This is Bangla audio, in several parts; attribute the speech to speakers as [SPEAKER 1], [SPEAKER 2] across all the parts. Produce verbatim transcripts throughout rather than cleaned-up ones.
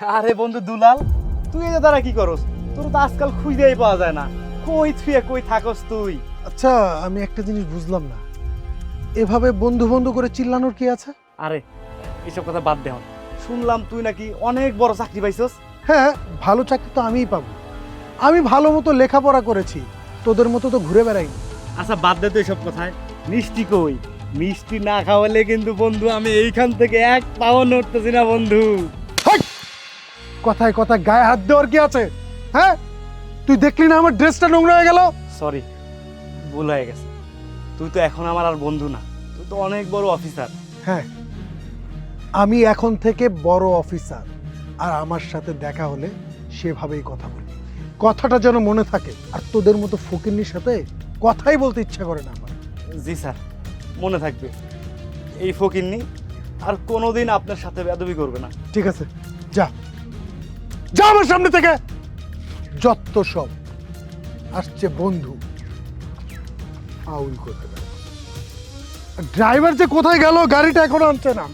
[SPEAKER 1] আরে বন্ধু দুলাল, তুই এদের দ্বারা কি করস? তোর তো আজকাল খুঁজেই পাওয়া যায় না। কই থুয়ে কই থাকস তুই?
[SPEAKER 2] আচ্ছা, আমি একটা জিনিস বুঝলাম না, এভাবে বন্ধু বন্ধু করে চিল্লানোর কি আছে?
[SPEAKER 1] আরে এসব কথা বাদ দে। শুনলাম তুই নাকি অনেক বড় চাকরি পাইছস।
[SPEAKER 2] হ্যাঁ, ভালো চাকরি তো আমিই পাবো। আমি ভালো মতো লেখাপড়া করেছি, তোদের মতো তো ঘুরে বেড়াইনি।
[SPEAKER 1] আচ্ছা বাদ দে তো এসব কথায়। মিষ্টি কই? মিষ্টি না খাওয়ালে কিন্তু বন্ধু আমি এইখান থেকে এক পাও নড়তেছি না বন্ধু।
[SPEAKER 2] হাট! কথায় কথায় গায়ে হাত দেওয়ার কি আছে? হ্যাঁ, তুই দেখলি না আমার ড্রেসটা নোংরা হয়ে গেল?
[SPEAKER 1] সরি, ভুল হয়ে গেছে। তুই তো এখন আমার আর বন্ধু না, তুই তো অনেক বড় অফিসার।
[SPEAKER 2] হ্যাঁ, আমি এখন থেকে বড় অফিসার, আর আমার সাথে দেখা হলে সেভাবেই কথা বলবি। কথাটা যেন মনে থাকে। আর তোদের মতো ফকিন্নির সাথে কথাই বলতে ইচ্ছা করে না আমার।
[SPEAKER 1] জি স্যার, মনে থাকবে। এই ফকিন্নি আর কোনোদিন আপনার সাথে বেয়াদবি করবে না।
[SPEAKER 2] ঠিক আছে, যা যা আমার সামনে থেকে। যত সব আসছে বন্ধু আউল করতে। ড্রাইভার যে কোথায় গেল, গাড়িটা এখনো আনছে না।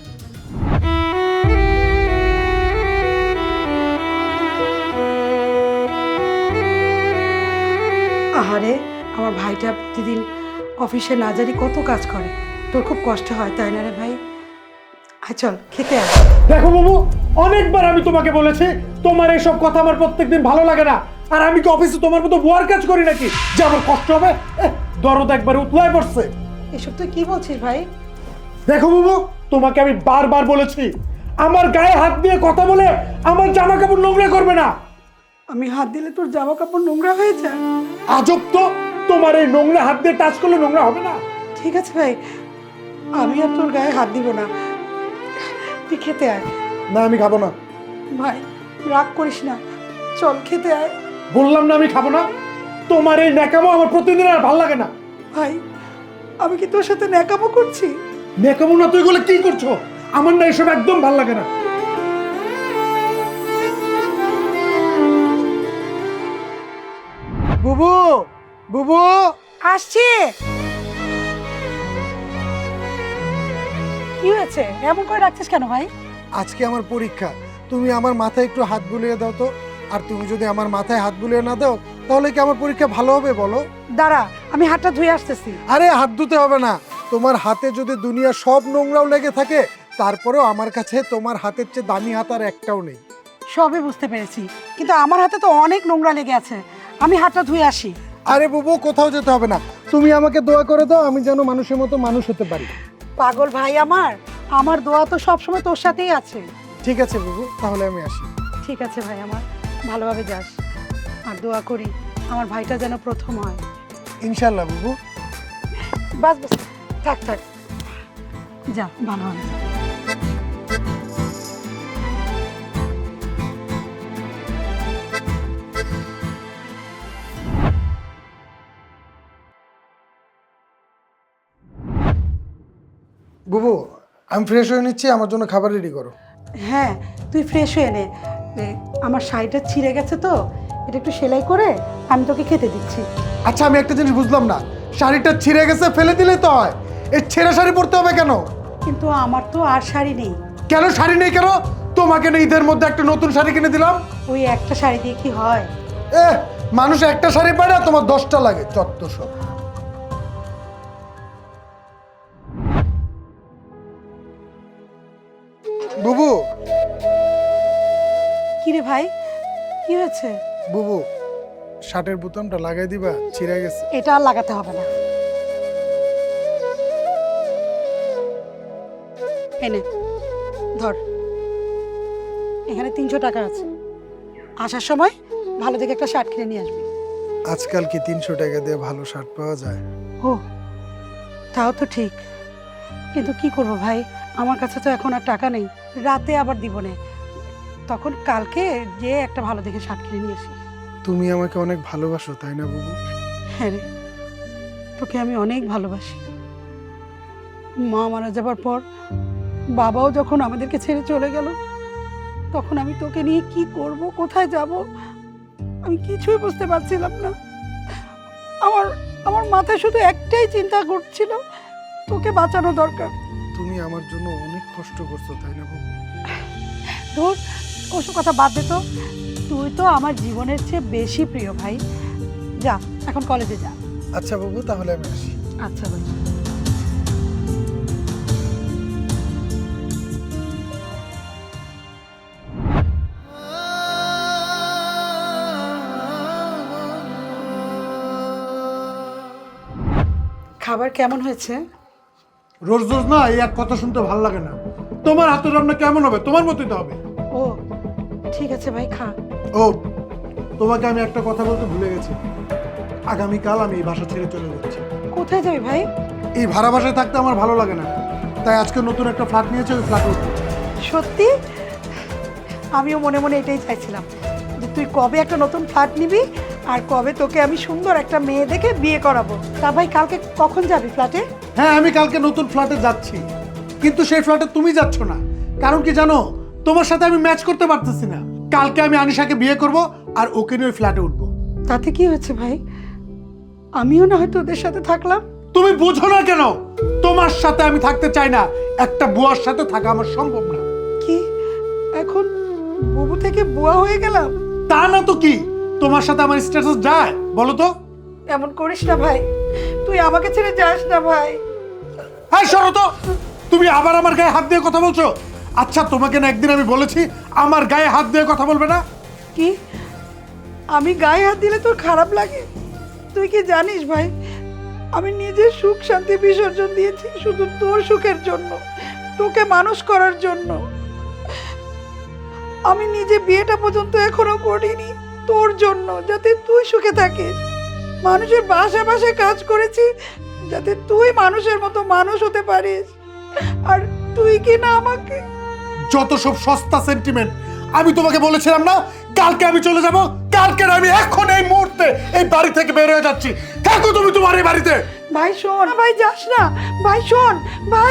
[SPEAKER 3] আহারে, আমার ভাইটা প্রতিদিন অফিসে না জানি কত কাজ করে, তোর খুব কষ্ট হয় তাই না রে ভাই? আয় চল খেতে আয়।
[SPEAKER 2] দেখো বাবু, অনেকবার আমি তোমাকে বলেছি তোমার এইসব কথা আমার প্রত্যেকদিন ভালো লাগে না। আর আমি কি অফিসে তোমার মতো বুয়ার কাজ করি নাকি যে আমার কষ্ট হবে? এহ, দরদ একবারে উতলায় পড়ছে।
[SPEAKER 3] এসব তুই কি বলছিস ভাই?
[SPEAKER 2] দেখো বাবু, তোমাকে আমি বারবার বলেছি আমার গায়ে হাত দিয়ে কথা বলে আমার জামা কাপড় নোংরা করবে না।
[SPEAKER 3] আমি হাত দিলে তোর জামা কাপড় নোংরা হয়ে যায়?
[SPEAKER 2] আজব তো, তোমার এই নোংরা হাত দিয়ে টাচ করলে নোংরা হবে না?
[SPEAKER 3] ঠিক আছে ভাই, আমি আর তোর গায়ে হাত দিব না, তুই খেতে আয়।
[SPEAKER 2] না, আমি খাবো না।
[SPEAKER 3] ভাই রাগ করিস না, চল খেতে আয়।
[SPEAKER 2] বললাম না আমি খাবো না। তোমার এই ন্যাকামো আমার প্রতিদিন আর ভাল লাগে না।
[SPEAKER 3] ভাই আমি কি তোর সাথে ন্যাকামো করছি?
[SPEAKER 2] ন্যাকামো না, তুই এগুলো কি করছো? আমার না এসব একদম ভাল লাগে না। বুবু, বুবু
[SPEAKER 3] আসছি। কি হয়েছে, এমন করে রাখছিস কেন ভাই?
[SPEAKER 2] আজকে আমার পরীক্ষা, তুমি আমার মাথায় একটু হাত বুলিয়ে দাও তো। আর তুমি যদি আমার মাথায় হাত বুলিয়ে না দাও তাহলে কি আমার পরীক্ষা ভালো হবে বলো?
[SPEAKER 3] দাঁড়া, আমি হাতটা ধুয়ে আসতেছি।
[SPEAKER 2] আরে হাত ধুতে হবে না। তোমার হাতে যদি দুনিয়া সব নোংরাও লেগে থাকে তারপরেও আমার কাছে তোমার হাতের চেয়ে দামি হাত আর একটাও নেই।
[SPEAKER 3] সবই বুঝতে পেরেছি, কিন্তু আমার হাতে তো অনেক নোংরা লেগে আছে, আমি হাতটা ধুয়ে আসি।
[SPEAKER 2] আরে বুবু, কোথাও যেতে হবে না। তুমি আমাকে দোয়া করে দাও, আমি যেন মানুষের মতো মানুষ হতে পারি।
[SPEAKER 3] পাগল ভাই আমার, আমার দোয়া তো সবসময় তোর সাথেই আছে।
[SPEAKER 2] ঠিক আছে বুবু, তাহলে আমি আসি।
[SPEAKER 3] ঠিক আছে ভাই আমার, ভালোভাবে যাস। আর দোয়া করি আমার ভাইটা যেন প্রথম হয়।
[SPEAKER 2] ইনশাল্লাহ বুবু।
[SPEAKER 3] বাস বাস, থাক থাক, যা ভালোভাবে যা।
[SPEAKER 2] বুবু, আমি ফ্রেশ হয়ে নিচ্ছি, আমার জন্য খাবার রেডি করো।
[SPEAKER 3] হ্যাঁ, তুই ফ্রেশ হয়ে নে। এ, আমার শাড়িটা ছিঁড়ে গেছে তো, এটা একটু সেলাই করে আমি তোকে খেতে দিচ্ছি।
[SPEAKER 2] আচ্ছা, আমি একটা জিনিস বুঝলাম না, শাড়িটা ছিঁড়ে গেছে ফেলে দিলে তো হয়, এই ছেঁড়া শাড়ি পরতে হবে কেন?
[SPEAKER 3] কিন্তু আমার তো আর শাড়ি নেই।
[SPEAKER 2] কেন শাড়ি নেই কেন? তোমাকে না ঈদের মধ্যে একটা নতুন শাড়ি কিনে দিলাম।
[SPEAKER 3] ওই একটা শাড়ি দিয়ে কি হয়?
[SPEAKER 2] এ, মানুষ একটা শাড়ি পায় না, তোমার দশটা লাগে, চত্ব সব। বুবু,
[SPEAKER 3] কি রে ভাই, কি হয়েছে?
[SPEAKER 2] বুবু, শার্টের বোতামটা লাগাই দিবা, ছিঁড়ে গেছে।
[SPEAKER 3] এটা আর লাগাতে হবে না। এনে ধর, এখানে তিনশো টাকা আছে, আসার সময় ভালো দেখে একটা শার্ট কিনে নিয়ে আসবি।
[SPEAKER 2] আজকাল কি তিনশো টাকা দিয়ে ভালো শার্ট পাওয়া যায়?
[SPEAKER 3] ও, তাও তো ঠিক, কিন্তু কি করব ভাই, আমার কাছে তো এখন আর টাকা নেই, রাতে আবার দিব না, তখন কালকে যে একটা ভালো দেখে শার্ট কিনে নিয়ে আসিস।
[SPEAKER 2] তুমি আমাকে অনেক ভালোবাসো তাই না বুবু?
[SPEAKER 3] হ্যাঁ রে, তোকে আমি অনেক ভালোবাসি। মা মারা যাবার পর বাবাও যখন আমাদেরকে ছেড়ে চলে গেল, তখন আমি তোকে নিয়ে কি করব, কোথায় যাব, আমি কিছুই বুঝতে পারছিলাম না। আমার আমার মাথায় শুধু একটাই চিন্তা ঘুরছিল, তোকে বাঁচানো দরকার।
[SPEAKER 2] তুমি আমার জন্য অনেক কষ্ট করছো তাই না বুবু?
[SPEAKER 3] ধুর, ওসব কথা বাদ দে তো। তুই তো আমার জীবনের চেয়ে বেশি প্রিয় ভাই। যা এখন কলেজে যা।
[SPEAKER 2] আচ্ছা বাবু, তাহলে আমি আসি।
[SPEAKER 3] আচ্ছা ভাই। খাবার কেমন হয়েছে?
[SPEAKER 2] রোজ রোজ না এই এক কথা শুনতে ভালো লাগে না। তোমার হাতের রান্না কেমন হবে? তোমার মতোই তো হবে।
[SPEAKER 3] ও ঠিক আছে ভাই, খা।
[SPEAKER 2] ও, তোমাকে আমি একটা কথা বলতে ভুলে গেছি। আগামীকাল আমি এই বাসা ছেড়ে চলে যাচ্ছি।
[SPEAKER 3] কোথায় যাবি ভাই?
[SPEAKER 2] এই ভাড়া বাসায় থাকতে আমার ভালো লাগে না, তাই আজকে নতুন একটা ফ্ল্যাট নিয়েছি, ওই ফ্ল্যাটে উঠবো।
[SPEAKER 3] সত্যি? আমিও মনে মনে এটাই চাইছিলাম যে তুই কবে একটা নতুন ফ্ল্যাট নিবি আর কবে তোকে আমি সুন্দর একটা মেয়ে দেখে বিয়ে করাবো। তা ভাই কালকে কখন যাবি ফ্ল্যাটে?
[SPEAKER 2] হ্যাঁ, আমি কালকে নতুন ফ্ল্যাটে যাচ্ছি, কিন্তু সেই ফ্ল্যাটে তুমি যাচ্ছ না। কারণ কি জানো? তোমার সাথে আমি ম্যাচ করতে পারতেছি না। কালকে আমি আনিশাকে বিয়ে করব আর ওকে নিয়ে ওই ফ্ল্যাটে উঠবো।
[SPEAKER 3] তাতে কি হয়েছে ভাই? আমিও না হয়তো ওদের সাথে থাকলাম।
[SPEAKER 2] তুমি বুঝো না কেন? তোমার সাথে আমি থাকতে চাই না। একটা বুয়ার সাথে থাকা আমার সম্ভব না।
[SPEAKER 3] কি এখন বুবু থেকে বুয়া হয়ে গেলাম?
[SPEAKER 2] তা না তো কি, তোমার সাথে আমার স্ট্যাটাস যায় বলো তো?
[SPEAKER 3] এমন করিস না ভাই, তুই আমাকে ছেড়ে যাস না ভাই।
[SPEAKER 2] হ্যাঁ সরো তো, তুমি আবার আমার গায়ে হাত দিয়ে কথা বলছো। আচ্ছা, তোমাকে না একদিন আমি বলেছি আমার গায়ে হাত দিয়ে কথা বলবে না?
[SPEAKER 3] কি আমি গায়ে হাত দিলে তোর খারাপ লাগে? তুই কি জানিস ভাই, আমি নিজের সুখ শান্তি বিসর্জন দিয়েছি শুধু তোর সুখের জন্য, তোকে মানুষ করার জন্য। আমি নিজে বিয়েটা পর্যন্ত এখনো করিনি তোর জন্য, যাতে তুই সুখে থাকিস। মানুষের বাসা বাসায় কাজ করেছি যাতে তুই মানুষের মতো মানুষ হতে পারিস, আর তুই কি না আমাকে।
[SPEAKER 2] যত সব সস্তা সেন্টিমেন্ট। আমি তোমাকে বলেছিলাম না কালকে আমি চলে যাব। কালকে না, আমি এখন এই মুহূর্তে এই বাড়ি থেকে বের হয়ে যাচ্ছি। থাকো তুমি তোমার এই বাড়িতে।
[SPEAKER 3] ভাই শোন, ভাই যাস না ভাই, শোন ভাই।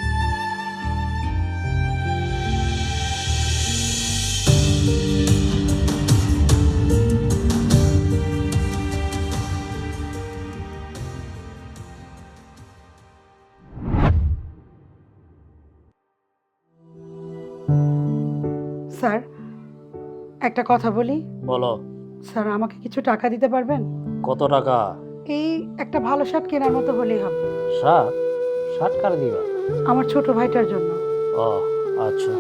[SPEAKER 3] স্যার একটা কথা বলি।
[SPEAKER 4] বলো।
[SPEAKER 3] স্যার আমাকে কিছু টাকা দিতে পারবেন?
[SPEAKER 4] কত টাকা?
[SPEAKER 3] এই একটা ভালো শার্ট কেনার মতো হলেই হবে।
[SPEAKER 4] শার্ট? শার্ট কার দিবা?
[SPEAKER 3] আমার ছোট ভাইটার জন্য।
[SPEAKER 4] ও আচ্ছা,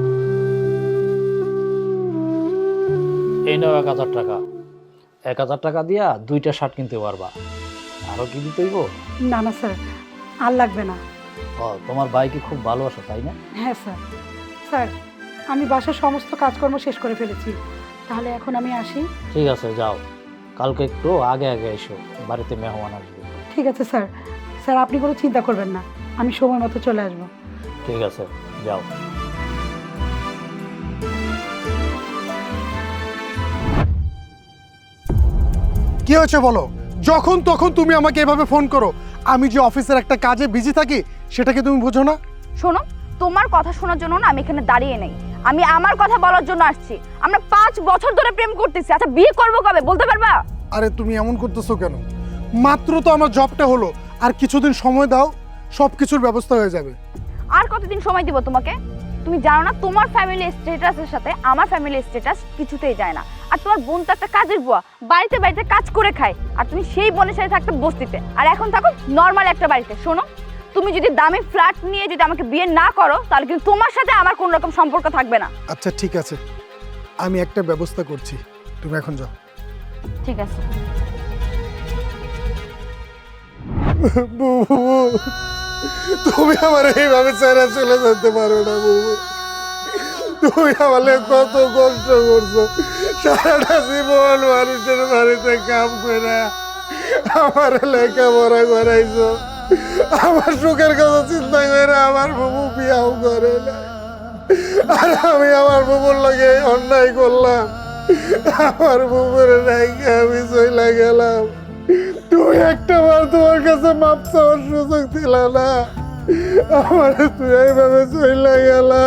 [SPEAKER 4] এই নাও এক হাজার টাকা। এক হাজার টাকা দিয়া দুইটা শার্ট কিনতে পারবা। আরো কি দিতে হইব?
[SPEAKER 3] না না স্যার, আর লাগবে না।
[SPEAKER 4] ও, তোমার ভাই কি খুব ভালোবাসো তাই না?
[SPEAKER 3] হ্যাঁ স্যার। স্যার আমি বাসার সমস্ত কাজকর্ম শেষ করে ফেলেছি, তাহলে এখন আমি আসি।
[SPEAKER 4] ঠিক আছে, যাও। কালকে একটু আগে আগে এসো, বাড়িতে মেহমান আসবে।
[SPEAKER 3] ঠিক আছে স্যার। স্যার আপনি কোনো চিন্তা করবেন না, আমি সময় মতো চলে আসবো।
[SPEAKER 4] ঠিক আছে, যাও।
[SPEAKER 2] কি হয়েছে বলো? যখন তখন তুমি আমাকে এভাবে ফোন করো। আমি যে অফিসের একটা কাজে বিজি থাকি সেটাকে তুমি বোঝো না?
[SPEAKER 5] শোনো, তোমার কথা শোনার জন্য না আমি এখানে দাঁড়িয়ে নেই, আমি আমার কথা বলার জন্য আসছি। আমরা পাঁচ বছর ধরে প্রেম করতেছি, আচ্ছা বিয়ে করবো কবে বলতে পারবা?
[SPEAKER 2] আরে তুমি এমন করতেছো কেন? মাত্র তো আমার জবটা হলো, আর কিছুদিন সময় দাও, সব কিছুর ব্যবস্থা হয়ে যাবে।
[SPEAKER 5] আর কতদিন সময় দিব তোমাকে? তুমি জানো না তোমার ফ্যামিলি স্ট্যাটাসের সাথে আমার ফ্যামিলি স্ট্যাটাস কিছুতেই যায় না। আর তোমার বোন তো একটা কাজের বুয়া, বাড়িতে বাড়িতে কাজ করে খায়, আর তুমি সেই বোনের সাথে থাকতে বস্তিতে, আর এখন থাকো নর্মাল একটা বাড়িতে। শোনো, তুমি যদি দামি ফ্ল্যাট নিয়ে যদি আমাকে বিয়ে না করো তাহলে কিন্তু তোমার সাথে আমার কোনো রকম সম্পর্ক থাকবে না।
[SPEAKER 2] আচ্ছা ঠিক আছে, আমি একটা ব্যবস্থা করছি, তুমি এখন যাও।
[SPEAKER 5] ঠিক আছে।
[SPEAKER 2] তুমি আমার এইভাবে ছেড়ে চলে যেতে পারো না বুবু। তুমি আমাকে কত কষ্ট করছো, সারাটা জীবন মানুষের বাড়িতে কাম করে আমার লেখাপড়া করাইছো, আমার সুখের কথা চিন্তা করে আমার বুবু বিয়াও করে না, আর আমি আমার বুবুর লাগে অন্যায় করলাম। আমার বুবুর নাইকে আমি চলে গেলাম। তুমি একটা বার তোমার কাছে মাপ চাওয়ার সুযোগ দিল না, আমার তুই এইভাবে চলে গেলা।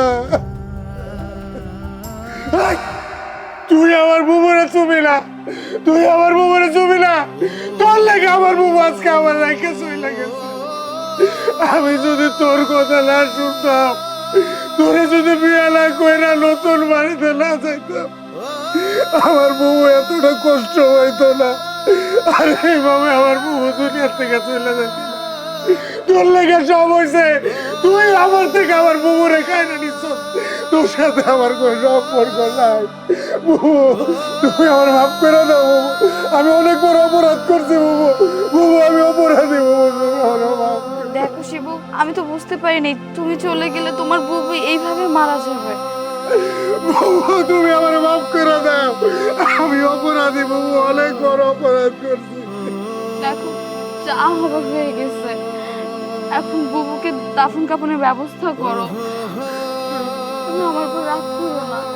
[SPEAKER 2] তুই আমার বুবুরে চুবি না, তুই আমার বুবুরে চুবি না। তোর লাগে আমার বুবু আজকে আমার রেখে চলে গেছে। আমি যদি তোর কথা না শুনতাম, তোরে যদি বিয়ে না কইরা নতুন বাড়িতে না যাইতাম আমার বউ এতটা কষ্ট হইতো না। আর এইভাবে আমার বউ দুনিয়ার থেকে চলে যাইত না। তোর লেগে সব হয়েছে, তুই আমার থেকে আমার বউরে কাইনা নিচ্ছ, তোর সাথে আমার কোনো সম্পর্ক নাই। বউ তুমি আমার মাফ করে দাও বাবু, আমি অনেক বড় অপরাধ করছি বাবু, বাবু আমি অপরাধী বাবু, তুমি আমার মাফ করে দাও।
[SPEAKER 5] দেখো শিবু, আমি তো বুঝতে পারিনি তুমি চলে গেলে তোমার বুবু এইভাবে মারা যাবে।
[SPEAKER 2] বাবু তুমি আমার মাফ করে দাও, আমি অপরাধী বাবু, অনেক বড় অপরাধ করছি।
[SPEAKER 5] দেখো যা হবার হয়ে গেছে, এখন বুবুকে দাফন কাফনের ব্যবস্থা করো। তুমি আমার উপর রাগ করো না।